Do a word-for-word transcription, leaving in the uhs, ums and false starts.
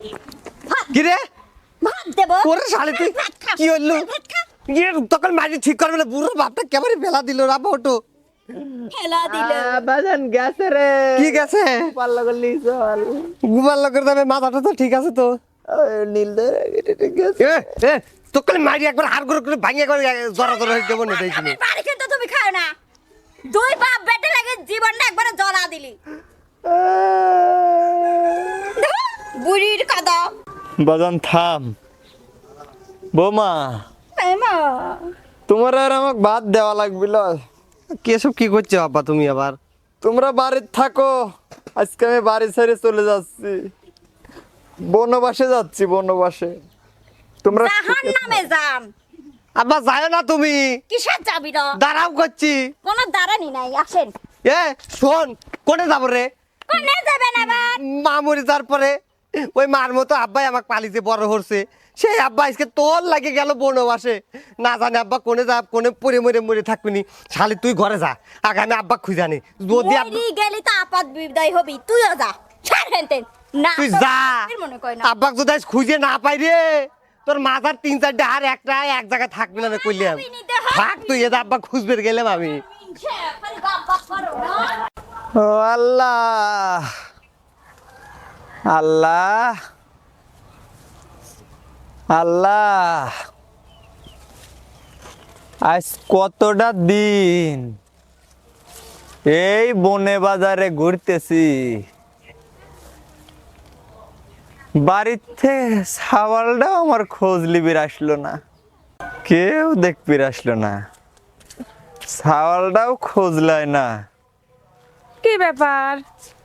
কি রে ভাত দেব ওরে শালি তুই কি হইলো ইয়ে তখন মাঝে ঠিক করবে না বুড়ো বাপটা কেমন বেলা দিল রাবা ওটো খেলা দিলে বাজান গেছে রে কি গেছে পাল্লা করলি চল ঘুমার লোকের দামে মাথাটা তো ঠিক আছে তো নীল গেছে এ এ তখন মারি একবার হার করে করে ভাঙিয়ে করে জরা জরা হয়ে দেবো না দেখছিনি বাড়ি কিন্তু তুমি খাও না দুই বাপ বেটে লাগে জীবনটা একবারে জ্বলা দিলি বুড়ির কাদা বাজান থাম বৌমা এমা তোমার আর আমাকে ভাত দেওয়া লাগবিল কেসব কি করছো আব্বা তুমি আবার তোমরা বাড়িতে থাকো আজকে আমি বাড়ি ছেড়ে চলে যাচ্ছি বনবাসে যাচ্ছি বনবাসে তোমরা জাহান নামে যান আব্বা যায় না তুমি কিসের যাবি না দাঁড়াও করছি কোনো দাঁড়ানি নাই আসেন এ শোন কোনে যাবো রে কোনে যাবেন আবার মা মরে যাওয়ার পরে ওই মার মতো আব্বাই আমাকে পালিতে বড় করছে সেই আব্বা আজকে তোর লাগে গেল বনবাসে না জানি আব্বা কোনে যা কোনে পরে মরে মরে থাকবিনি শালি তুই ঘরে যা আগে আমি আব্বা খুঁজে আনি যদি আব্বা- মরি গেলি তো আপাত বিদায় হবি তুইও যা ছাড় হেনতেন না তুই তো যা এর মনে কই না আব্বাক যদি আজ খুঁজে না পাই রে তোর মাথার তিন চারটে আর একটা এক জায়গায় থাকবি না আমি কইলাম থাক তুই এটা আব্বা খুঁজবে গেলাম আমি খালি বাপ বাপ করো না ও আল্লাহ আল্লাহ আল্লাহ আজ কতটা দিন এই বনে বাজারে ঘুরতেছি বাড়িতে সাওয়ালটাও আমার খোঁজ লিবির আসলো না কেউ দেখবির আসলো না সাওয়ালটাও খোঁজ লয় না কি ব্যাপার